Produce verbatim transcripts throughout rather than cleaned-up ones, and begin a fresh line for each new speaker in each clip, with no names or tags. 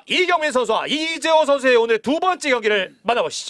이경민 선수와 이재호 선수의 오늘 두 번째 경기를 만나보시죠.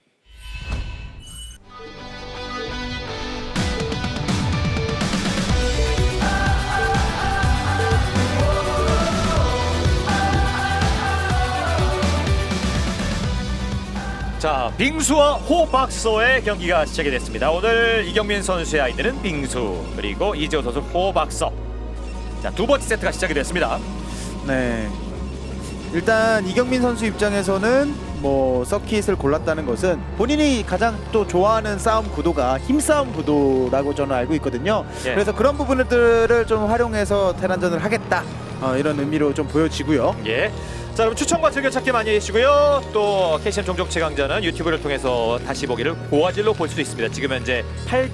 자, 빙수와 호박서의 경기가 시작이 됐습니다. 오늘 이경민 선수의 아이들은 빙수, 그리고 이재호 선수 호박서. 자, 두 번째 세트가 시작이 됐습니다.
네. 일단 이경민 선수 입장에서는 뭐 서킷을 골랐다는 것은 본인이 가장 또 좋아하는 싸움 구도가 힘싸움 구도라고 저는 알고 있거든요.
예.
그래서 그런 부분들을 좀 활용해서 테란전을 하겠다. 어, 이런 의미로 좀 보여지고요.
예. 자, 그럼 추천과 즐겨찾기 많이 해주시고요. 또 케이씨엠 종족 최강자는 유튜브를 통해서 다시 보기를 고화질로 볼 수도 있습니다. 지금 현재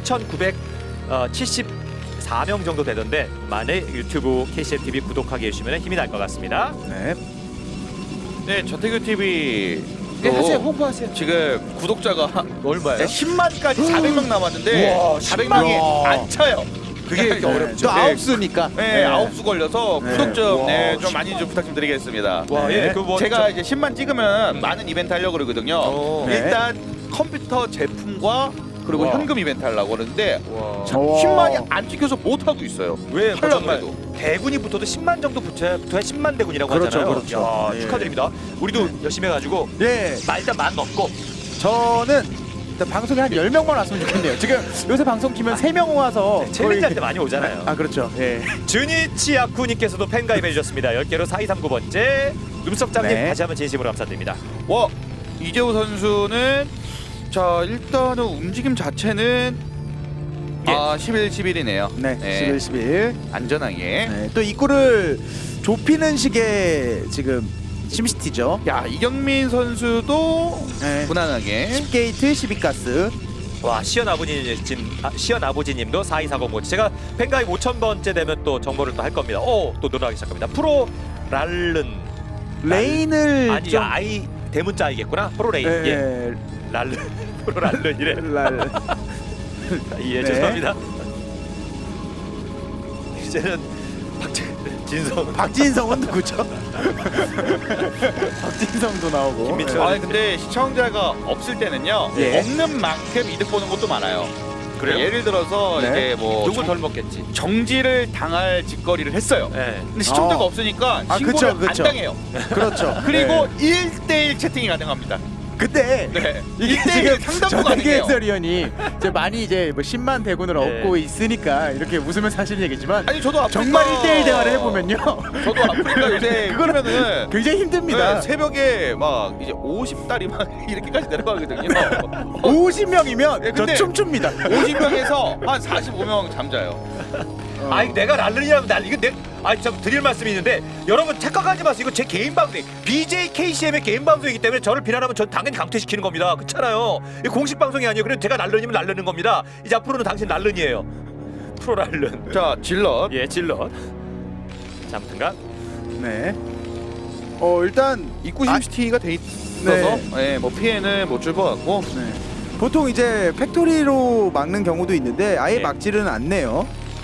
팔천구백칠십사 명 정도 되던데 만에 유튜브 케이씨엠 티비 구독하게 해주시면 힘이 날 것 같습니다.
네.
네, 저태규 티비
네, 하세요. 홍보하세요.
지금 구독자가
얼마예요?
네, 십만까지 사백 명 남았는데
우와,
사백 명이
십만.
안 차요.
그게
네.
어렵죠.
또 아홉 수니까.
네, 아홉 수 걸려서
네.
구독 좀,
와,
네, 좀
십만.
많이 좀 부탁 좀 드리겠습니다.
와,
네.
예, 그 뭐
제가 이제 십만 찍으면
음.
많은 이벤트 하려고 그러거든요.
오.
네.
일단 컴퓨터 제품과 그리고
와.
현금 이벤트 하려고 그러는데
와.
와.
십만이 안 찍혀서 못 하고 있어요.
왜
하려고
정말
해도.
대군이 붙어도 십만 정도 붙어야 붙어야 십만 대군이라고
그렇죠,
하잖아요.
그렇죠.
야,
예.
축하드립니다. 우리도 열심히 해가지고
예.
마, 일단 만 넘고.
저는 일단 방송에 한 열 명만 왔으면 좋겠네요. 지금 요새 방송 키면 세 명 와서
챌린지 할
거의-
때 많이 오잖아요.
아, 그렇죠. 예.
주니치 아쿠님께서도 팬가입해 주셨습니다. 열 개로 사이삼구 번째. 음석장님
네.
다시 한번 진심으로 감사드립니다.
와, 이재호 선수는 자 일단은 움직임 자체는
예.
아 십일, 십일이네요.
네. 십일, 십일.
안전하게.
네, 또 입구를 좁히는 식의 지금 심시티죠.
야, 이경민 선수도
네.
무난하게.
십 게이트, 십이 가스.
와, 시연 아버님 지금 아, 시연 아버지님도 사이사공 번째. 제가 팬가입 오천 번째 되면 또 정보를 또 할 겁니다. 오, 또 늘어나기 시작합니다. 프로 랄른.
레인을
아니,
좀
아이 대문자 아이겠구나. 프로 레인.
예,
예. 랄른. 프로 랄른이래.
랄.
예,
네.
죄송합니다. 이제는 박진성
박진성은 누구죠? 박진성도 나오고.
김민철.
아니 근데 시청자가 없을 때는요.
예.
없는 만큼 이득 보는 것도 많아요.
그래요?
예를 들어서
네.
이제 뭐
누구
정,
덜 먹겠지.
정지를 당할 짓거리를 했어요.
예.
근데 시청자가
어.
없으니까
아,
신고를
그쵸, 그쵸.
안 당해요.
그렇죠.
그리고
네.
일 대일 채팅이 가능합니다.
근데
네.
이게
일 대일
지금
상담도
전태규
가능해요.
해설위원이 이제 많이 이제 뭐 십만 대군을
네.
얻고 있으니까 이렇게 웃으면서 하시는 얘기지만
아니 저도 아프리카
정말 일 대일 대화를 해보면요.
저도 아프리카 요새
그거는
그러면은
굉장히 힘듭니다.
네, 새벽에 막 이제 오십 달이 막 이렇게까지 내려가거든요.
오십 명이면
네,
저
근데
춤춥니다.
오십 명에서 한 사십오 명 잠자요.
어.
아니 내가 랄른이라면 날 이거 내 아니 저 드릴 말씀이 있는데 여러분 착각하지 마세요. 이거 제 개인 방송 비제이 케이씨엠의 개인 방송이기 때문에 저를 비난하면 전 당연히 강퇴시키는 겁니다. 그렇잖아요. 이거 공식 방송이 아니에요. 그래서 제가 랄른이면 랄른인 겁니다. 이제 앞으로는 당신 랄른이에요. 프로 랄른.
자 질럿.
예, 질럿. 자, 아무튼간
네. 어 일단
입구
아,
심시티가 돼 있어서 네. 뭐 피해는 못 줄 것 같고.
네. 보통 이제 팩토리로 막는 경우도 있는데 아예
예.
막지는 않네요.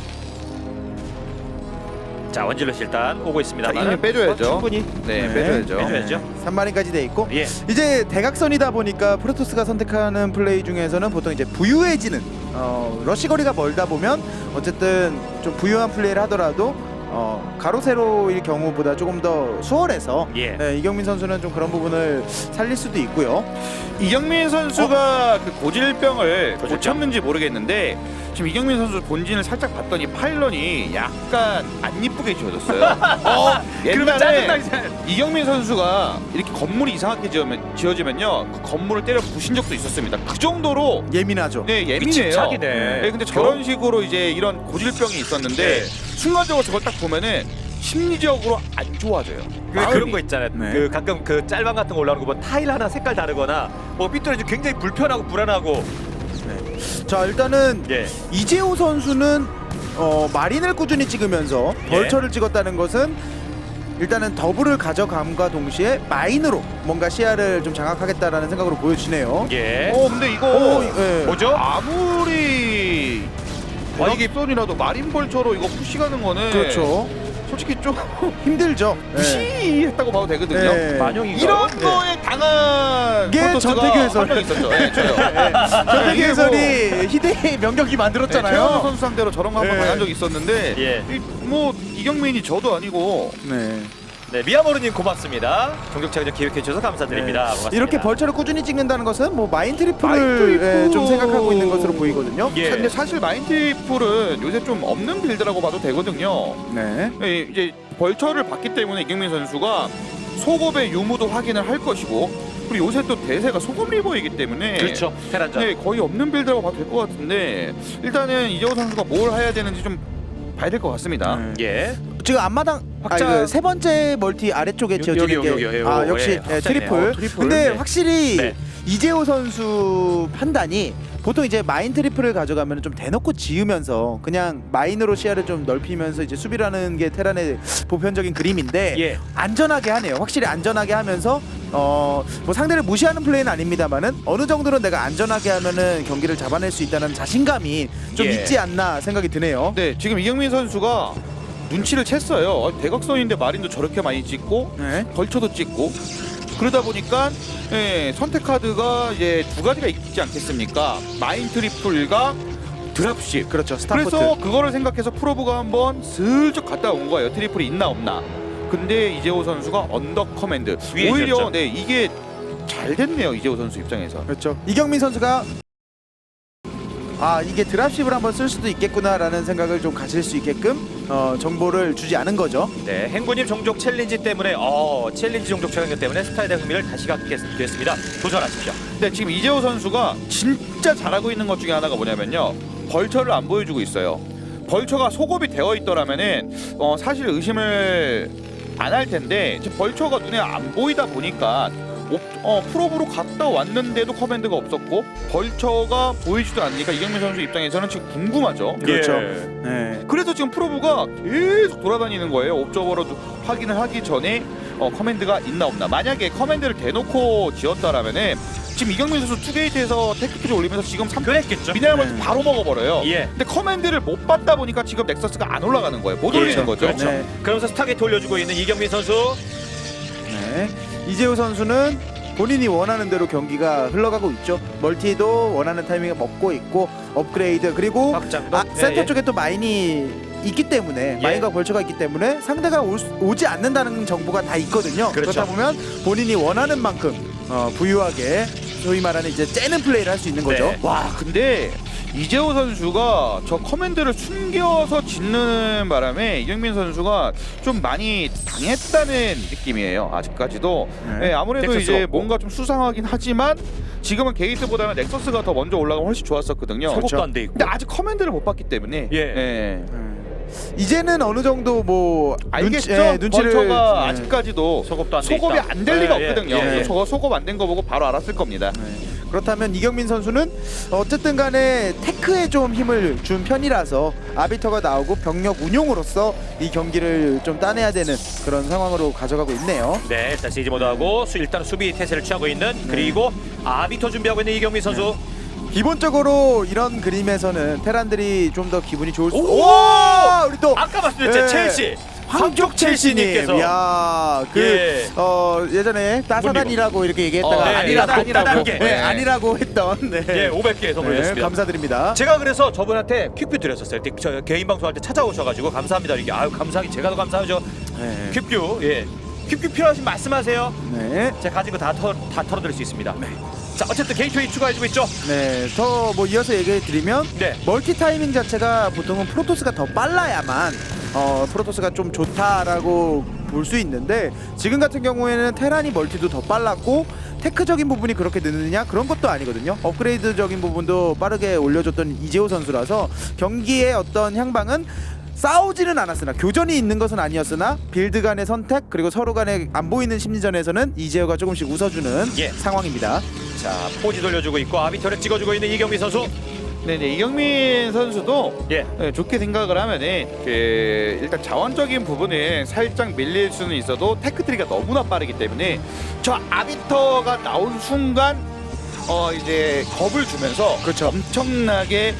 자, 원질럿 일단 오고 있습니다.
자, 이미 빼줘야죠.
충분히
네,
네.
빼줘야죠.
빼줘야죠.
삼 마리까지 돼 있고
예.
이제 대각선이다 보니까 프로토스가 선택하는 플레이 중에서는 보통 이제 부유해지는 어, 러시 거리가 멀다 보면 어쨌든 좀 부유한 플레이를 하더라도 어, 가로 세로일 경우보다 조금 더 수월해서
예.
네, 이경민 선수는 좀 그런 부분을 살릴 수도 있고요.
이경민 선수가 그 고질병을
고질병.
고쳤는지 모르겠는데 지금 이경민 선수 본진을 살짝 봤더니 파일런이 약간 안 이쁘게 지어졌어요. 어,
그러면
옛날에
짜증나게
이경민 선수가 이렇게 건물이 이상하게 지어면, 지어지면요 그 건물을 때려 부신 적도 있었습니다. 그 정도로
예민하죠.
네 예민해요.
집착이네.
네, 근데 저런 식으로 이제 이런 고질병이 있었는데
네.
순간적으로 저걸 딱 보면은 심리적으로 안 좋아져요.
그,
마음이.
그런 거 있잖아요.
네.
그 가끔 그 짤방 같은 거 올라오는 거 보면 타일 하나 색깔 다르거나 뭐 삐뚤어지고 굉장히 불편하고 불안하고.
자 일단은
예.
이재호 선수는 어, 마린을 꾸준히 찍으면서
예.
벌처를 찍었다는 것은 일단은 더블을 가져감과 동시에 마인으로 뭔가 시야를 좀 장악하겠다라는 생각으로 보여지네요.
예.
어 근데 이거
오, 예.
뭐죠?
아무리
아, 이게-
대각선이라도 마린벌처로 이거 푸시가는 거는
그렇죠.
솔직히 좀
힘들죠. 네.
무시했다고 봐도 되거든요.
네.
만용인가?
이런
네.
거에 당한
이게
프로토스가
전태규 해설.
한 명 있었죠. 네, 저요.
전태기
이게 뭐-
해설이 희대의 명경기
네, 최현우
만들었잖아요.
선수 상대로 저런 거 한번
네.
당한 적이 있었는데
예.
이, 뭐 이경민이 저도 아니고
네.
네, 미야모르님 고맙습니다. 종족차기전 기획해 주셔서 감사드립니다. 고맙습니다.
이렇게 벌처를 꾸준히 찍는다는 것은 뭐 마인 트리플을
마인 트리플.
예, 좀 생각하고 있는 것으로 보이거든요.
예.
근데 사실 마인트리플은 요새 좀 없는 빌드라고 봐도 되거든요.
네.
예, 이제 벌처를 봤기 때문에 이경민 선수가 소급의 유무도 확인을 할 것이고 그리고 요새 또 대세가 소급 리버이기 때문에
그렇죠. 테란전.
네, 거의 없는 빌드라고 봐도 될 것 같은데 일단은 이재호 선수가 뭘 해야 되는지 좀 봐야 될 것 같습니다.
네.
예.
지금 앞마당
확장-
아, 그 세 번째 멀티 아래쪽에
여기,
지어지는
여기,
게
여기, 여기,
아
여기,
역시
예,
네,
확장이네요.
트리플.
어, 트리플.
근데
네.
확실히
네.
이재호 선수 판단이 보통 이제 마인 트리플을 가져가면 좀 대놓고 지으면서 그냥 마인으로 시야를 좀 넓히면서 이제 수비를 하는 게 테란의 보편적인 그림인데
예.
안전하게 하네요. 확실히 안전하게 하면서 어 뭐 상대를 무시하는 플레이는 아닙니다만은 어느 정도는 내가 안전하게 하면은 경기를 잡아낼 수 있다는 자신감이 좀
예.
있지 않나 생각이 드네요.
네, 지금 이경민 선수가 눈치를 챘어요. 어, 대각선인데 마린도 저렇게 많이 찍고
네.
벌쳐도 찍고 그러다 보니까 예, 선택 카드가 이제 두 가지가 있지 않겠습니까? 마인 트리플과 드랍십.
그렇죠. 스타포트.
그래서 그거를 생각해서 프로브가 한번 슬쩍 갔다 온 거예요. 트리플이 있나 없나. 근데 이재호 선수가 언더 커맨드.
위에
오히려
있었죠.
네 이게 잘 됐네요. 이재호 선수 입장에서.
그렇죠. 이경민 선수가 아 이게 드랍십을 한번 쓸 수도 있겠구나라는 생각을 좀 가질 수 있게끔 어, 정보를 주지 않은 거죠.
네, 행구님 종족 챌린지 때문에 어 챌린지 종족 촬영 때문에 스타에 대한 흥미를 다시 갖게 됐습니다. 도전하십시오.
근데 지금 이재호 선수가 진짜 잘하고 있는 것 중에 하나가 뭐냐면요. 벌처를 안 보여주고 있어요. 벌처가 소급이 되어 있더라면은 어, 사실 의심을 안 할 텐데 지금 벌처가 눈에 안 보이다 보니까 옵, 어, 프로브로 갔다 왔는데도 커맨드가 없었고 벌처가 보이지도 않으니까 이경민 선수 입장에서는 지금 궁금하죠.
그렇죠.
예.
네.
그래서 지금 프로브가 계속 돌아다니는 거예요. 옵저버로 확인을 하기 전에 어, 커맨드가 있나 없나. 만약에 커맨드를 대놓고 지었다라면은 지금 이경민 선수 투게이트에서 테크트리 올리면서 지금 삼
그랬겠죠.
미네랄먼트
네.
바로 먹어버려요.
예.
근데 커맨드를 못 받다 보니까 지금 넥서스가 안 올라가는 거예요. 못
예,
올리는 거죠.
그렇죠.
네.
그러면서 스타게이트 올려주고 있는 이경민 선수.
네. 이재호 선수는 본인이 원하는 대로 경기가 흘러가고 있죠. 멀티도 원하는 타이밍에 먹고 있고 업그레이드 그리고
확장도.
아,
예,
센터
예.
쪽에 또 마인이 있기 때문에
예.
마인과 벌처가 있기 때문에 상대가 올 수- 오지 않는다는 정보가 다 있거든요.
그렇죠.
그렇다 보면 본인이 원하는 만큼 어, 부유하게 소위 말하는 이제 째는 플레이를 할 수 있는 거죠.
네.
와 근데 이재호 선수가 저 커맨드를 숨겨서 짓는 바람에 이경민 선수가 좀 많이 당했다는 느낌이에요. 아직까지도.
네.
네, 아무래도
넥서스가
이제
없고.
뭔가 좀 수상하긴 하지만 지금은 게이트보다는 넥서스가 더 먼저 올라가면 훨씬 좋았었거든요.
소급도
그렇죠.
안 돼 있고.
근데 아직 커맨드를 못 봤기 때문에
예.
네.
음. 이제는 어느 정도 뭐
알겠죠.
눈치, 예, 눈치를
벌처가
네.
아직까지도
소급도 안 돼
소급이
있다.
안 될 리가
예, 예,
없거든요.
예, 예.
저거 소급 안 된 거 보고 바로 알았을 겁니다.
네. 그렇다면 이경민 선수는 어쨌든 간에 테크에 좀 힘을 준 편이라서 아비터가 나오고 병력 운용으로서 이 경기를 좀 따내야 되는 그런 상황으로 가져가고 있네요.
네, 일단 시즈 모드하고 수, 일단 수비 태세를 취하고 있는 그리고 아비터 준비하고 있는 이경민 선수.
기본적으로 이런 그림에서는 테란들이 좀 더 기분이 좋을 수.
오!
오! 우리 또
아까 말씀드렸죠,
예.
첼시.
황족 첼시님께서 야, 그
예.
어, 예전에 따사단이라고 이렇게 얘기했다가
어, 네,
아니라고
아니라고.
아니라고,
네.
네, 아니라고 했던 네.
예, 오백 개 선물
네,
드렸습니다.
감사드립니다.
제가 그래서 저분한테 퀵뷰 드렸었어요. 그때 저 개인 방송할 때 찾아오셔가지고 감사합니다. 이게 아유 감사하기 제가 더 감사하죠.
네.
퀵뷰 예, 퀵뷰 필요하신 말씀하세요.
네.
제가 가진 거다 다 털어드릴 수 있습니다. 자 어쨌든 게이트웨이 추가해주고 있죠.
네, 더 뭐 이어서 얘기해 드리면
네.
멀티 타이밍 자체가 보통은 프로토스가 더 빨라야만 어, 프로토스가 좀 좋다라고 볼 수 있는데 지금 같은 경우에는 테란이 멀티도 더 빨랐고 테크적인 부분이 그렇게 느느냐 그런 것도 아니거든요. 업그레이드적인 부분도 빠르게 올려줬던 이재호 선수라서 경기의 어떤 향방은 싸우지는 않았으나 교전이 있는 것은 아니었으나 빌드 간의 선택 그리고 서로 간의 안 보이는 심리전에서는 이재호가 조금씩 웃어주는
예.
상황입니다.
자 포지 돌려주고 있고 아비터를 찍어주고 있는 이경민 선수.
네네 이경민 선수도
예.
네, 좋게 생각을 하면은 그 일단 자원적인 부분은 살짝 밀릴 수는 있어도 테크트리가 너무나 빠르기 때문에 저 아비터가 나온 순간 어 이제 겁을 주면서
그렇죠.
엄청나게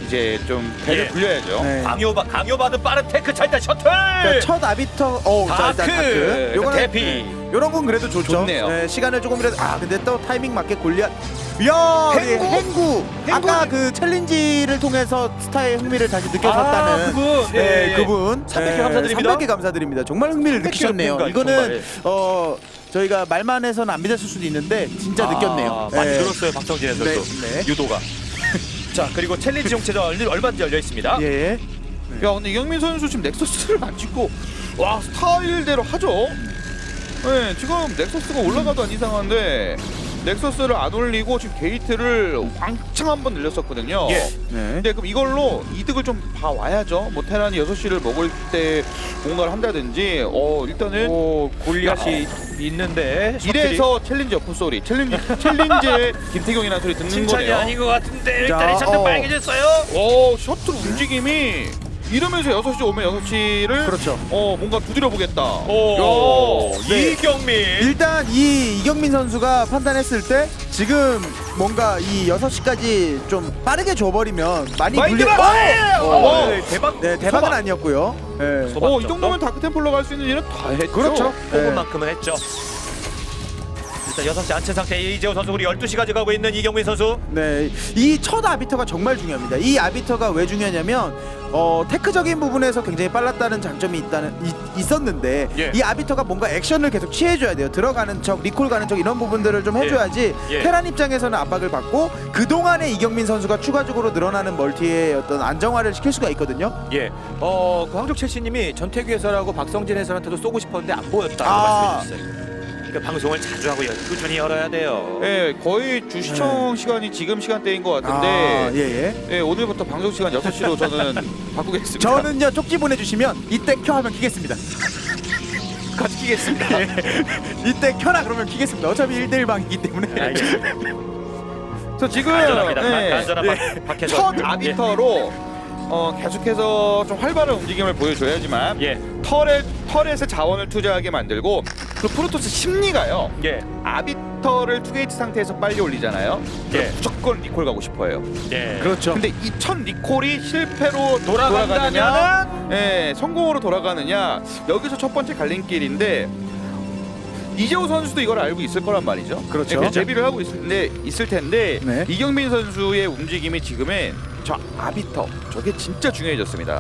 이제 좀 배를
예.
불려야죠.
네.
강요받 강요받은 빠른 테크 찰때 셔틀.
그러니까 첫 아비터 어, 자,
다크.
일단 다크. 요거는
대피.
네, 요런 건 그래도 좋죠.
좋네요.
네, 시간을 조금이라도 아 근데 또 타이밍 맞게 골리앗. 이야,
행구?
예, 행구.
행구?
아까 그 챌린지를 통해서 스타의 흥미를 다시 느껴졌다는
아, 그분.
네,
예, 예.
그분.
삼백 개 감사드립니다.
삼백 개 감사드립니다. 정말 흥미를
삼백 개
느끼셨네요.
정말,
이거는
정말.
어 저희가 말만 해서는 안 믿었을 수도 있는데 진짜
아,
느꼈네요.
많이
예.
들었어요 박성진 해설도.
네, 네.
유도가. 자 그리고 챌린지 용체전 얼- 얼마든지 열려 있습니다.
예.
야 근데 이경민 선수 지금 넥서스를 안 찍고 와 스타일대로 하죠. 네 지금 넥서스가 올라가도 안 이상한데 넥서스를 안 올리고 지금 게이트를 왕창 한번 늘렸었거든요.
예.
네.
근데 그럼 이걸로 이득을 좀 봐와야죠. 뭐 테란이 여섯 시를 먹을 때 뭔가를 한다든지 어 일단은
오 골리앗이 있는데 셔틀이
이래서 챌린지 어프 소리 챌린지 챌린지의 김태경이라는 소리 듣는
칭찬이
거네요.
아닌 것 같은데 일단
자,
이 셔틀
어.
빨개졌어요.
오 셔틀 움직임이 이러면서 여섯 시 오면 여섯 시를
그렇죠.
어 뭔가 두드려 보겠다.
오
야,
네.
이경민.
일단 이 이경민 선수가 판단했을 때 지금 뭔가 이 여섯 시까지 좀 빠르게 줘버리면 많이
마인드
불리...
바-
어!
어,
어!
네, 대박.
네, 대박은
소박.
아니었고요. 네.
소박
어, 이
정도?
정도면 다크템플러 갈 수 있는 일은 다 했죠.
그렇죠. 네.
호흡만큼은 했죠. 일단 여섯 시 안채 상태 이재호 선수 우리 열두 시 가져가고 있는 이경민 선수.
네, 이 첫 아비터가 정말 중요합니다. 이 아비터가 왜 중요하냐면 어, 테크적인 부분에서 굉장히 빨랐다는 장점이 있다는 이, 있었는데
예.
이 아비터가 뭔가 액션을 계속 취해줘야 돼요. 들어가는 척, 리콜 가는 척 이런 부분들을 좀 해줘야지
예.
테란 입장에서는 압박을 받고 그 동안에 이경민 선수가 추가적으로 늘어나는 멀티의 어떤 안정화를 시킬 수가 있거든요.
예. 어, 그 황족 첼시님이 전태규 해설하고 박성진 해설한테도 쏘고 싶었는데 안 보였다고
아.
말씀해 주셨어요. 그러니까 방송을 자주 하고 꾸준히 열어야 돼요.
예, 거의 주 시청 시간이 지금 시간대인 것 같은데
아, 예, 예.
예, 오늘부터 방송 시간 여섯 시로 저는 바꾸겠습니다.
저는요 쪽지 보내주시면 이때 켜 하면 키겠습니다.
같이 끼겠습니다.
이때 켜라 그러면 키겠습니다. 어차피 일 대일 방이기 때문에.
알겠습니다.
저 지금
안전합니다.
예,
안전한
예.
박 해설.
첫 아비터로 어, 계속해서 좀 활발한 움직임을 보여줘야지만
예.
털에 털에서 자원을 투자하게 만들고 그 프로토스 심리가요.
예.
아비터를 투게이트 상태에서 빨리 올리잖아요.
예.
그럼 무조건 리콜 가고 싶어요.
예.
그렇죠.
근데 이 첫 리콜이 실패로
돌아간다면은
돌아가느냐, 예, 성공으로 돌아가느냐 여기서 첫 번째 갈림길인데 이재호 선수도 이걸 알고 있을 거란 말이죠.
그렇죠.
예, 대비를 하고 있을 텐데 있을 텐데
네.
이경민 선수의 움직임이 지금은 저 아비터 저게 진짜 중요해졌습니다.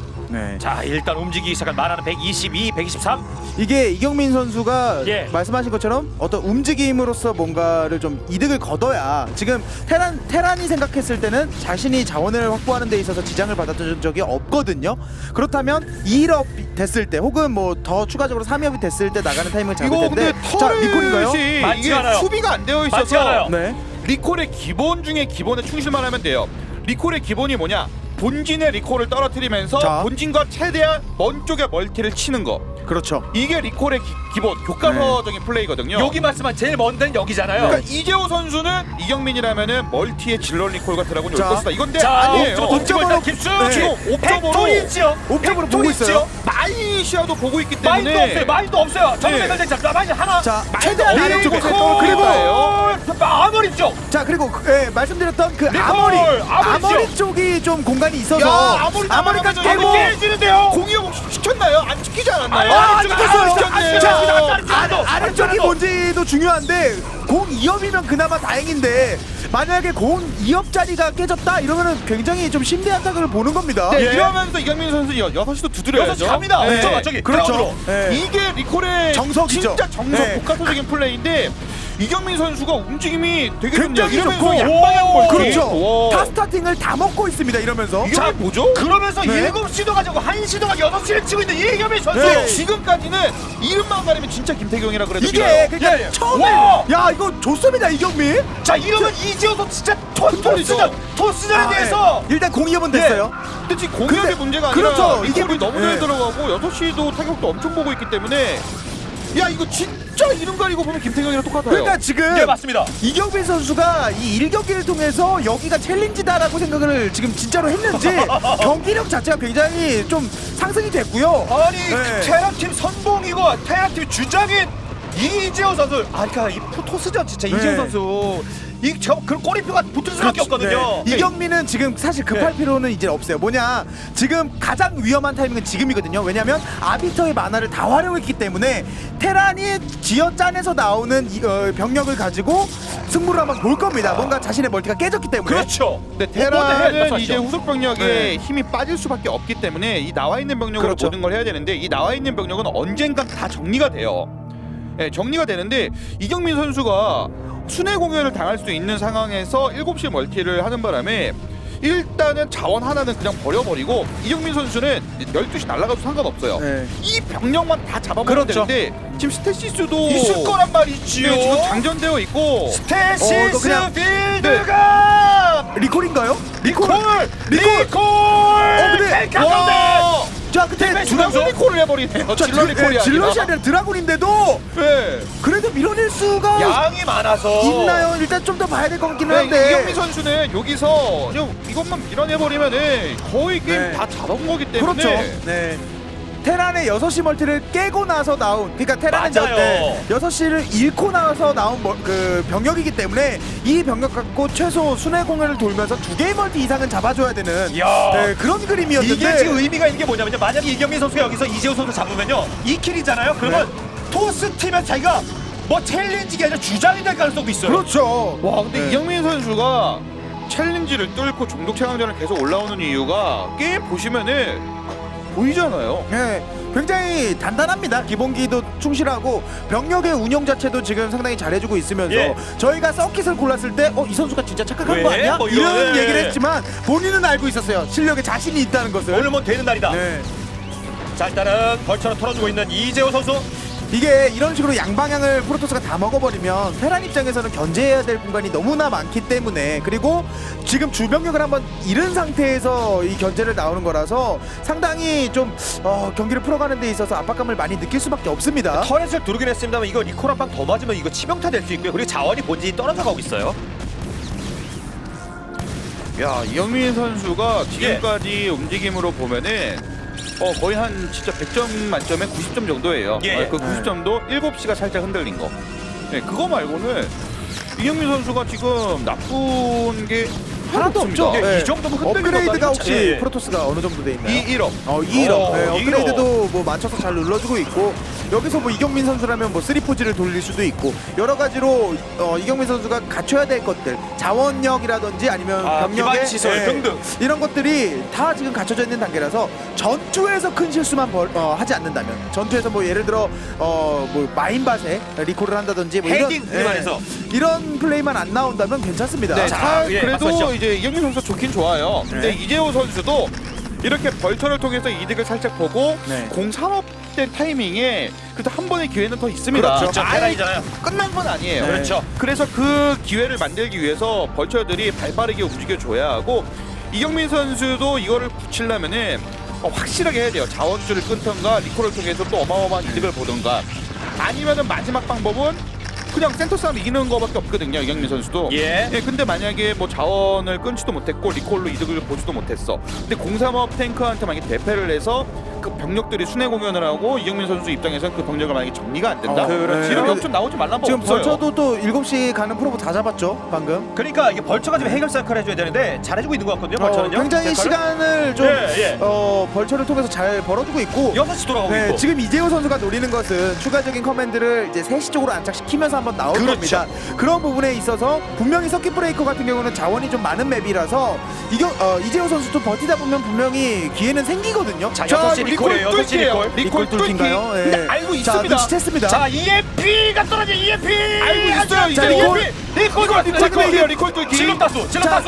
네.
자, 일단 움직이기 시작한 만화는 백이십이, 백이십삼.
이게 이경민 선수가
예.
말씀하신 것처럼 어떤 움직임으로서 뭔가를 좀 이득을 거둬야 지금 테란 테란이 생각했을 때는 자신이 자원을 확보하는 데 있어서 지장을 받았던 적이 없거든요. 그렇다면 이 업 됐을 때 혹은 뭐 더 추가적으로 삼 업이 됐을 때 나가는 타이밍을 잡을
이거
텐데
근데
자 리콜인가요?
털이
많지
이게
않아요.
수비가 안 되어
많지
있어서
않아요.
네.
리콜의 기본 중에 기본에 충실만 하면 돼요. 리콜의 기본이 뭐냐? 본진의 리콜을 떨어뜨리면서
자.
본진과 최대한 먼 쪽에 멀티를 치는 거.
그렇죠.
이게 리콜의 기, 기본 교과서적인 플레이거든요.
여기 말씀한 제일 먼 데는 여기잖아요.
그러니까 이재호 선수는 이경민이라면은 멀티의 질러 리콜과 드라곤이 올
자.
것이다. 이건데
자,
아니에요.
옵저버 던지고 일단
옵저버로-
깁스.
네.
지금
옵저버로
옵저버로
옵저버로 보고 있어요.
마이시아도 보고 있기
마인도
때문에
없어요. 마인도 없어요. 정면
네.
선택 잡. 마인 하나.
자
마인드
최대한
없는
아래쪽에
쪽에
또 그리고
그리고
아머리 쪽.
자 그리고 그, 예, 말씀드렸던 그
리콜!
아머리
아머리
아머리 쪽이 좀 공간이 있어서
야, 아머리
아머리까지
나가면
깨고
깨지는데요.
공이업 시켰나요? 안 시키지 않았나요?
아,
안
시켰어요.
안
시켰네요.
시켰어요. 안
아,
시켰어요.
아래쪽이 뭔지도 중요한데 공 이 업이면 그나마 다행인데 만약에 공 이 업짜리가 깨졌다 이러면은 굉장히 좀 심대한 타격을 보는 겁니다.
네,
예.
이러면서 이경민 선수 여- 여섯 시도 두드려야죠.
여섯 시 갑니다.
네.
옵저버 저기
그렇죠.
그라운드로.
네.
이게 리콜의
정석이죠.
진짜 정석
네.
복합적인 플레이인데 이경민 선수가 움직임이 되게
굉장히
좋네요.
좋고
이러면서 양방향 멀티.
그렇죠.
와.
타 스타팅을 다 먹고 있습니다. 이러면서
이게 뭐죠?
그러면서
네.
일곱 시도 가지고 한 시도 가지고 여섯 시를 치고 있는 이경민 선수.
네.
지금까지는 이름만 가리면 진짜 김태경이라 그래도
이게
믿어요.
그러니까
예, 예.
처음에
와!
야 이거 좋습니다 이경민.
자, 이러면 이재호 선수 진짜 토
털리죠.
토스전 토스전에
아,
대해서
예. 일단 공 이 업은 됐어요.
근데 지금 공격의
근데-
문제가 아니라
그렇죠. 이게
리콜이
문-
너무 잘
네.
들어가고 여섯 시도 타격도 엄청 보고 있기 때문에 야 이거 진짜 이름 가리고 보면 김태경이랑 똑같아요.
그러니까 지금
네, 맞습니다.
이경민 선수가 이 일 경기를 통해서 여기가 챌린지다라고 생각을 지금 진짜로 했는지 경기력 자체가 굉장히 좀 상승이 됐고요.
아니
네.
테라팀 선봉이고 테라팀 주장인 이재호 선수, 아, 그러니까 이 토스전 진짜
네.
이재호 선수 이저그 꼬리표가 붙을 수밖에 없거든요.
네. 이경민은 지금 사실 급할
네.
필요는 이제 없어요. 뭐냐, 지금 가장 위험한 타이밍은 지금이거든요. 왜냐하면 아비터의 만화를 다 활용했기 때문에 테란이 지어짠에서 나오는 이, 어, 병력을 가지고 승부를 한번 볼 겁니다. 뭔가 자신의 멀티가 깨졌기 때문에.
그렇죠.
근데
못 보내,
테란은
말씀하시죠.
이제 후속 병력에
네.
힘이 빠질 수밖에 없기 때문에 이 나와 있는 병력으로
그렇죠.
모든 걸 해야 되는데 이 나와 있는 병력은 언젠간 다 정리가 돼요. 예, 정리가 되는데 이경민 선수가 순회 공연을 당할 수 있는 상황에서 일곱 시 멀티를 하는 바람에 일단은 자원 하나는 그냥 버려버리고 이경민 선수는 열두 시 날아가도 상관없어요.
네.
이 병력만 다 잡아먹으면
그렇죠.
되는데 지금 스테시스도
있을 거란 말이지요.
네, 지금 장전되어 있고
스테시스
어, 너 그냥-
필드가
리콜인가요?
리콜
리콜!
리콜
어, 근데-
백 가운데
자, 근데
드라곤
드라군
리콜을 해버리네요.
자,
질러
드-
리콜이
예, 질럿이
아니라.
아니라 드라군인데도
네.
그래도 밀어낼 수가
양이 많아서
있나요? 일단 좀 더 봐야 될 것 같기는
네,
한데.
이경민 선수는 여기서 그냥 이것만 밀어내버리면은 거의 게임
네.
다 잡아온 거기 때문에
그렇죠. 네. 테란의 여섯 시 멀티를 깨고 나서 나온, 그러니까 테란은
맞아요.
네, 여섯 시를 잃고 나서 나온 멀, 그 병력이기 때문에 이 병력 갖고 최소 순회 공연을 돌면서 두 개의 멀티 이상은 잡아줘야 되는
이야.
네, 그런 그림이었는데
이게 지금 의미가 있는 게 뭐냐면요. 만약에 이경민 선수가 여기서 이재호 선수 잡으면요, 이 킬이잖아요. 그러면 토스 팀에 자기가 뭐 챌린지가 아니라 주장이 될 가능성도 있어요.
그렇죠.
와 근데
네.
이경민 선수가 챌린지를 뚫고 종족 최강전을 계속 올라오는 이유가 게임 보시면은 보이잖아요.
네, 굉장히 단단합니다. 기본기도 충실하고 병력의 운영 자체도 지금 상당히 잘해주고 있으면서
예.
저희가 서킷을 골랐을 때 어, 이 선수가 진짜 착각한
왜?
거 아니야?
뭐
이런
이런, 예.
얘기를 했지만 본인은 알고 있었어요. 실력에 자신이 있다는 것을.
오늘 뭐 되는 날이다.
네.
자, 일단은 벌처럼 털어주고 있는 이재호 선수.
이게 이런 식으로 양방향을 프로토스가 다 먹어버리면 테란 입장에서는 견제해야 될 공간이 너무나 많기 때문에, 그리고 지금 주병력을 한번 잃은 상태에서 이 견제를 나오는 거라서 상당히 좀 어, 경기를 풀어가는 데 있어서 압박감을 많이 느낄 수밖에 없습니다.
터렛을 두르긴 했습니다만 이거 리콜 한 방 더 맞으면 이거 치명타 될 수 있고요. 그리고 자원이 본진이 떨어져 가고 있어요.
야 이경민 선수가
예.
지금까지 움직임으로 보면은 어 거의 한 진짜 백 점 만점에 구십 점 정도예요.
예.
어, 그 구십 점도 일곱 시가 살짝 흔들린 거. 네, 그거 말고는 이경민 선수가 지금 나쁜 게
하나도 없죠.
예,
네.
이 정도면 흔들린
업그레이드가
것도 아니고
혹시
자- 예.
프로토스가 어느 정도 돼 있나요?
이 일억.
어, 이일업.
어,
네,
이일업.
업그레이드도 뭐 맞춰서 잘 눌러주고 있고, 여기서 뭐 이경민 선수라면 뭐 쓰리포지를 돌릴 수도 있고 여러 가지로 어, 이경민 선수가 갖춰야 될 것들, 자원력이라든지 아니면
아,
병력의
기반 시설
예,
등등.
이런 것들이 다 지금 갖춰져 있는 단계라서 전투에서 큰 실수만 벌, 어, 하지 않는다면, 전투에서 뭐 예를 들어 어, 뭐 마인밭에 리콜을 한다든지 뭐 이런,
헤딩 그만해서.
이런 플레이만 안 나온다면 괜찮습니다.
네,
자,
사-
예,
그래도
말씀하시죠.
이제 이경민 선수 좋긴 좋아요. 근데
네.
이재호 선수도 이렇게 벌처를 통해서 이득을 살짝 보고
네.
공산업된 타이밍에 그래도 한 번의 기회는 더 있습니다.
그렇죠.
자, 테란이잖아요.
끝난 건 아니에요.
네.
그렇죠.
그래서 그 기회를 만들기 위해서 벌처들이 발빠르게 움직여줘야 하고, 이경민 선수도 이거를 붙이려면은 어, 확실하게 해야 돼요. 자원줄을 끊던가 리콜을 통해서 또 어마어마한 이득을 보던가, 아니면은 마지막 방법은 그냥 센터 싸움 이기는 거밖에 없거든요. 이경민 선수도.
예.
근데 만약에 뭐 자원을 끊지도 못했고 리콜로 이득을 보지도 못했어. 근데 공삼업 탱크한테 만약에 대패를 해서 그 병력들이 순회 공연을 하고 이경민 선수 입장에서는 그 병력을 만약에 정리가 안 된다.
어, 그렇죠.
이런 역전 나오지 말란 법
지금
없어요.
벌처도 또 일곱 시 가는 프로보 다 잡았죠 방금.
그러니까 이게 벌처가 지금 해결사 역할을 해줘야 되는데 잘해주고 있는 것 같거든요.
어,
벌처는요.
굉장히
역할을.
시간을 좀
예, 예.
어, 벌처를 통해서 잘 벌어주고 있고,
여섯 시 돌아가고
네,
있고.
지금 이재호 선수가 노리는 것은 추가적인 커맨드를 이제 세 시 쪽으로 안착시키면서 한번 나올
그렇죠.
겁니다. 그런 부분에 있어서 분명히 서킷 브레이커 같은 경우는 자원이 좀 많은 맵이라서 이겨, 어, 이재호 선수 좀 버티다 보면 분명히 기회는 생기거든요.
자, 여섯 시 리콜이에요. 여섯 시 리콜.
리콜
뚫기인가요? 예.
근데 알고
자,
있습니다.
눈치챘습니다.
자, 이엠피가 떨어져. 이엠피.
알고 있어요. 이제
자,
리콜
리콜.
리콜
리콜 리콜 뚫기예요. 리콜 뚫기.
질럿 다수. 질럿
자,
다수.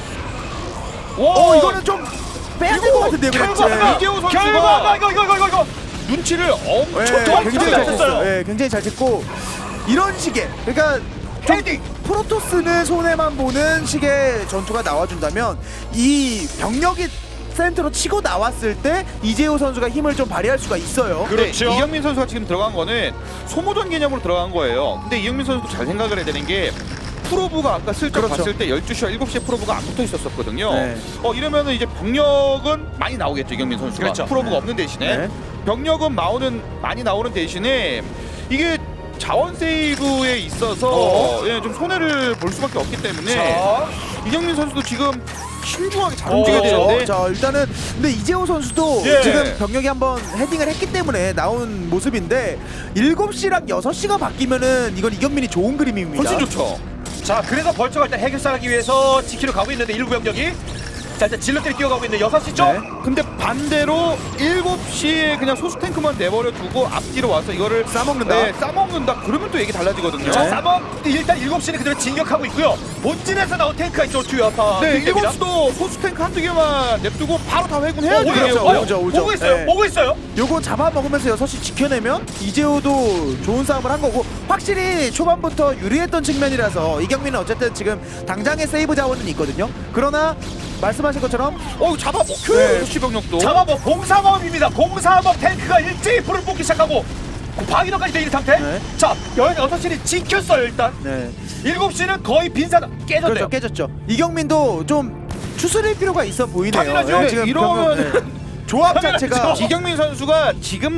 어, 이거는 좀 빼야 될 것 같은데요.
결과가
그렇지.
이재호 선수가-
결과가 이거 이거 이거 이거.
눈치를 엄청
예,
정확히
굉장히
잘
잘
쳤어요.
쳤어요. 예, 굉장히 잘 쳤고, 이런 식의, 그러니까 좀
헤딩.
프로토스는 손해만 보는 식의 전투가 나와준다면 이 병력이 센터로 치고 나왔을 때 이재호 선수가 힘을 좀 발휘할 수가 있어요.
근데
그렇죠.
이경민 선수가 지금 들어간 거는 소모전 개념으로 들어간 거예요. 근데 이경민 선수도 잘 생각을 해야 되는 게, 프로브가 아까 슬쩍
그렇죠.
봤을 때 열두 시와 일곱 시에 프로브가 안 붙어 있었었거든요.
네.
어 이러면은 이제 병력은 많이 나오겠죠. 이경민 선수가.
그렇죠.
프로브가
네.
없는 대신에
네.
병력은 나오는 많이 나오는 대신에 이게 자원 세이브에 있어서
어?
예, 좀 손해를 볼 수밖에 없기 때문에
자,
이경민 선수도 지금 신중하게 잘
어,
움직여야 되는데
자 일단은 근데 이재호 선수도
예.
지금 병력이 한번 헤딩을 했기 때문에 나온 모습인데 일곱 시랑 여섯 시가 바뀌면은 이건 이경민이 좋은 그림입니다.
훨씬 좋죠.
자 그래서 벌처가 일단 해결사하기 위해서 지키러 가고 있는데 일부 병력이 자 일단 질럿들이 뛰어가고 있는 여섯 시 쪽.
네.
근데 반대로 일곱 시에 그냥 소수 탱크만 내버려 두고 앞뒤로 와서 이거를
싸먹는다.
네, 싸먹는다. 그러면 또 얘기 달라지거든요.
자 싸먹 일단 일곱 시는 그대로 진격하고 있고요. 본진에서 나온 탱크가 이쪽 투여파.
네, 일곱 시도 소수 탱크 한두 개만 냅두고 바로 다 회군해야
어,
돼요.
오죠,
오죠, 오죠, 오죠.
오고 있어요.
네.
오고 있어요.
요거 잡아먹으면서 여섯 시 지켜내면 이재호도 좋은 싸움을 한 거고 확실히 초반부터 유리했던 측면이라서 이경민은 어쨌든 지금 당장의 세이브 자원은 있거든요. 그러나 말씀하신 것처럼
어, 잡아 먹혀요.
네.
여섯 시 병력도.
자마법 공사범입니다. 공사범 탱크가 일제히 불을 뿜기 시작하고 방위로까지 되는 상태.
네.
자 여섯 시는 지켰어요 일단.
네.
일곱 시는 거의 빈사다 깨졌네요.
그렇죠, 깨졌죠. 이경민도 좀 추스릴 필요가 있어 보이네요.
당연하죠.
네, 지금
이러면-
병력, 네. 조합 자체가
당연하죠.
이경민 선수가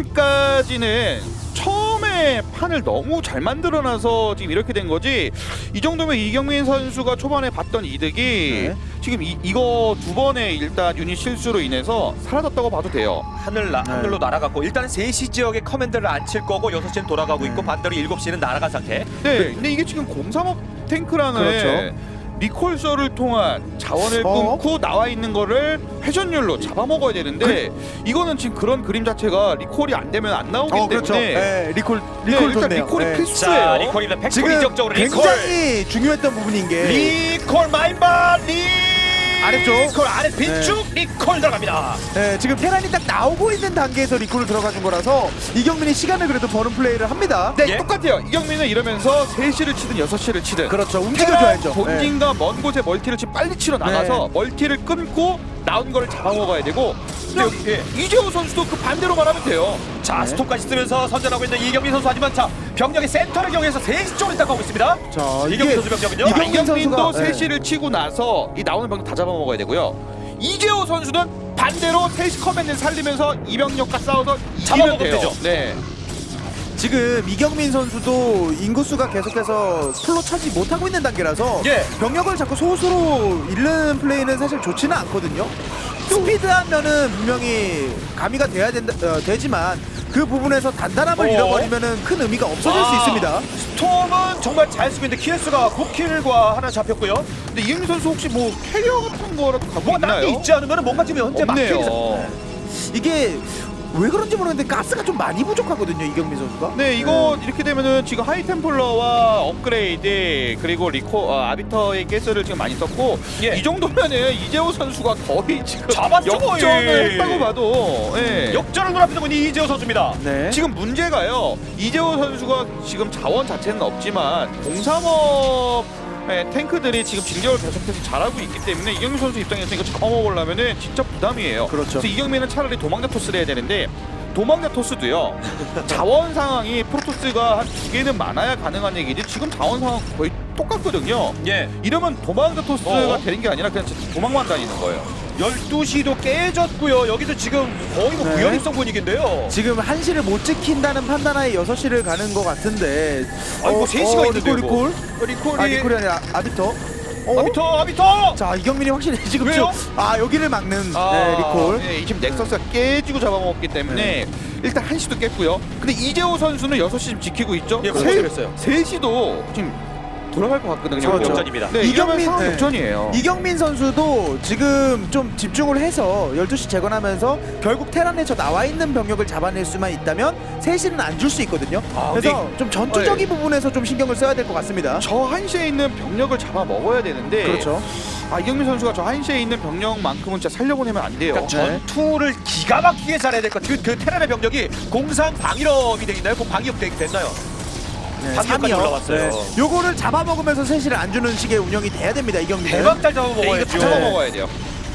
지금까지는 처음에 판을 너무 잘 만들어놔서 지금 이렇게 된 거지. 이 정도면 이경민 선수가 초반에 봤던 이득이
네.
지금 이, 이거 두 번의 일단 유닛 실수로 인해서 사라졌다고 봐도 돼요.
하늘 나,
네.
하늘로 날아갔고 일단은 세 시 지역에 커맨드를 안 칠 거고 여섯 시는 돌아가고 있고
네.
반대로 일곱 시는 날아간 상태.
네, 근데 이게 지금 공삼업 탱크라는
그렇죠.
리콜서를 통한 자원을
어?
끊고 나와 있는 거를 회전율로 잡아먹어야 되는데 이거는 지금 그런 그림 자체가 리콜이 안 되면 안 나오기
어 그렇죠.
때문에
네, 리콜
네,
리콜
일단
좋네요.
리콜이
네.
필수예요.
자 리콜입니다. 팩토리
지금
이적적으로 리콜.
굉장히 중요했던 부분인 게
리콜 마인바 리
아래쪽.
리콜 아래 빈축 리콜 들어갑니다.
네, 지금 테란이 딱 나오고 있는 단계에서 리콜을 들어가준 거라서 이경민이 시간을 그래도 버는 플레이를 합니다.
네,
예?
똑같아요. 이경민은 이러면서 세 시를 치든 여섯 시를 치든
그렇죠. 움직여줘야죠. 네.
본진과 먼 곳에 멀티를 지금 빨리 치러 나가서 멀티를 끊고 나온 거를 잡아먹어야 되고 근데 여기, 예, 이재호 선수도 그 반대로만 하면 돼요.
자
네.
스톱까지 쓰면서 선전하고 있는 이경민 선수 하지만 자 병력의 센터를 경해서 세 시 쪽으로 딱 가고 있습니다.
자,
이경민
이게
선수 병력은요.
이경민
이경민도
선수가-
세
네.
시를 치고 나서 이 나오는 병력 다 잡아먹어야 되고요. 이재호 선수는 반대로 세 시 커맨드를 살리면서 이병력과 싸워서 이기면
잡아먹으면
돼요.
되죠.
네.
지금 이경민 선수도 인구수가 계속해서 풀로 차지 못하고 있는 단계라서
예.
병력을 자꾸 소수로 잃는 플레이는 사실 좋지는 않거든요. 스피드하면은 분명히 가미가 돼야 된다 어, 되지만 그 부분에서 단단함을
어.
잃어버리면은 큰 의미가 없어질 수
아,
있습니다.
스톰은 정말 잘 쓰고 있는데 키에스가 구 킬과 하나 잡혔고요.
근데 이경민 선수 혹시 뭐 캐리어 같은 거라도 갖고
뭐가 딴
있나요?
게 있지 않으면 뭔가 지금 현재 막혀 있어.
없네요.
이게 왜 그런지 모르겠는데 가스가 좀 많이 부족하거든요, 이경민 선수가.
네, 이거 이렇게 되면은 지금 하이템플러와 업그레이드 그리고 리코 어, 아비터의 가스를 지금 많이 썼고
예.
이 정도면은 이재호 선수가 거의 지금
잡았죠,
역전을
거의.
했다고 봐도 예.
역전을 눈앞에 있는 이재호 선수입니다.
네.
지금 문제가요. 이재호 선수가 지금 자원 자체는 없지만 공삼업 예, 탱크들이 지금 진격을 계속해서 잘하고 있기 때문에 이경민 선수 입장에서 이거 잡아먹으려면은 진짜 부담이에요.
그렇죠.
그래서 이경민은 차라리 도망자 토스를 해야 되는데 도망자 토스도요. 자원 상황이 프로토스가 한 두 개는 많아야 가능한 얘기지 지금 자원 상황 거의 똑같거든요.
예.
이러면 도망자 토스가
어?
되는 게 아니라 그냥 진짜 도망만 다니는 거예요.
열두 시도 깨졌고요. 여기도 지금 거의 뭐
네.
무연입성 분위기인데요.
지금 한 시를 못 지킨다는 판단하에 여섯 시를 가는 것 같은데.
아, 이거 세 시가 있는데요,
리콜,
이거.
리콜.
리콜이
아, 리콜이 아니라 아비터. 어?
아비터 아비터.
자, 이경민이 확실히 지금
왜요?
좀- 아, 여기를 막는
아,
네, 리콜.
네, 지금 넥서스가 깨지고 잡아먹었기 때문에 일단 한 시도 깼고요. 근데 이재호 선수는 여섯 시 지금 지키고 있죠.
예,
세-
그랬어요.
세 시도 지금 돌아갈 것 같거든요.
그렇죠.
역전입니다.
네, 이경민
이경민-
상황
네.
역전이에요.
이경민 선수도 지금 좀 집중을 해서 열두 시 재건하면서 결국 테란에 저 나와 있는 병력을 잡아낼 수만 있다면 세 시는 안 줄 수 있거든요.
아,
그래서 좀 전투적인 부분에서 좀 신경을 써야 될 것 같습니다.
저 한시에 있는 병력을 잡아 먹어야 되는데
그렇죠.
아 이경민 선수가 저 한시에 있는 병력만큼은 진짜 살려보내면 안 돼요.
그러니까
네.
전투를 기가 막히게 잘해야 될 것 같아요. 그, 그 테란의 병력이 공상 방위럽이 돼 있나요? 공 방위업 되 됐나요?
네,
삼 위까지
삼이요.
올라왔어요.
요거를 잡아먹으면서 세 시를 안 주는 식의 운영이 돼야 됩니다. 이경민.
대박 잘
네, 이거
잡아먹어야죠.
다 잡아 먹어야 돼요.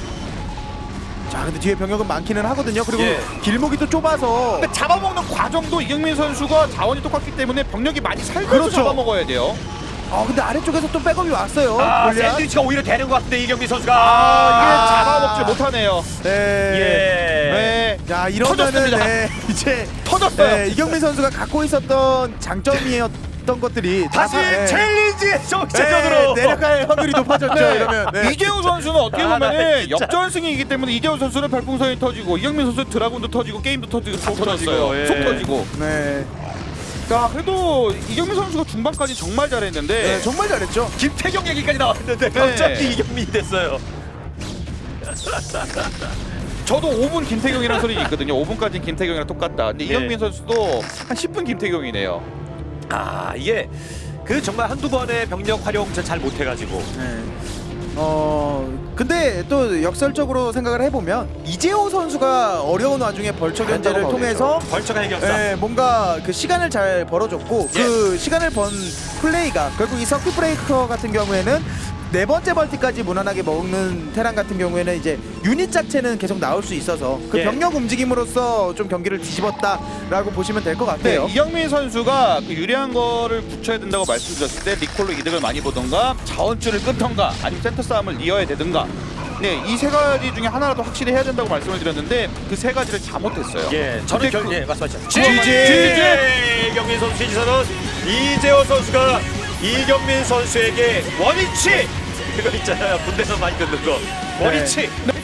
자, 근데 뒤에 병력은 많기는 하거든요. 그리고
예.
길목이 또 좁아서
근데 잡아먹는 과정도 이경민 선수가 자원이 똑같기 때문에 병력이 많이 살면서
그렇죠.
잡아먹어야 돼요.
아, 근데 아래쪽에서 또 백업이 왔어요.
아,
골리앗.
샌드위치가 오히려 되는 것 같은데 이경민 선수가
아, 이게
아.
잡아먹지 못하네요.
네.
예.
네.
자 이러면은
터졌습니다.
네, 이제
터졌어요.
네, 이경민 선수가 갖고 있었던 장점이었던 것들이 다
다시
사- 네.
챌린지의 정체전으로
네, 내려갈 확률이 높아졌죠.
네.
이러면 네.
이재호 선수는 어떻게
아, 나
보면은
진짜.
역전승이기 때문에 이재호 선수는 별풍선이 터지고 이경민 선수 는 드라군도 터지고 게임도 터지고 속
터졌어요.
터졌어요.
예.
속 터지고.
네.
자 그래도 이경민 선수가 중반까지 정말 잘했는데
네, 정말 잘했죠.
김태경 얘기까지 나왔는데 갑자기 이경민이 됐어요.
저도 오 분 김태경이라는 소리 있거든요. 오 분까지는 김태경이랑 똑같다. 근데
예.
이경민 선수도 한 십 분 김태경이네요.
아 이게 그 정말 한두 번의 병력 활용 잘 못해가지고
네. 어 근데 또 역설적으로 생각을 해보면 이재호 선수가 어려운 와중에 벌처 견제를 통해서
벌처가 해결사.
네, 뭔가 그 시간을 잘 벌어줬고 그 시간을 번 플레이가 결국 이 서킷 브레이커 같은 경우에는 네 번째 벌티까지 무난하게 먹는 테란 같은 경우에는 이제 유닛 자체는 계속 나올 수 있어서 그
예.
병력 움직임으로써 좀 경기를 뒤집었다라고 보시면 될 것
네,
같아요.
이경민 선수가 그 유리한 거를 붙여야 된다고 말씀드렸을 때 리콜로 이득을 많이 보던가 자원줄을 끊던가 아니면 센터 싸움을 이어야 되든가 네, 이 세 가지 중에 하나라도 확실히 해야 된다고 말씀을 드렸는데 그 세 가지를 잘못했어요.
예, 저는
근데
결,
그-
예, 말씀하시죠.
지지!
이경민 선수 지지선은 이재호 선수가 이경민 선수에게 원위치 그거 있잖아요. 군대에서 많이 듣는 거 원위치.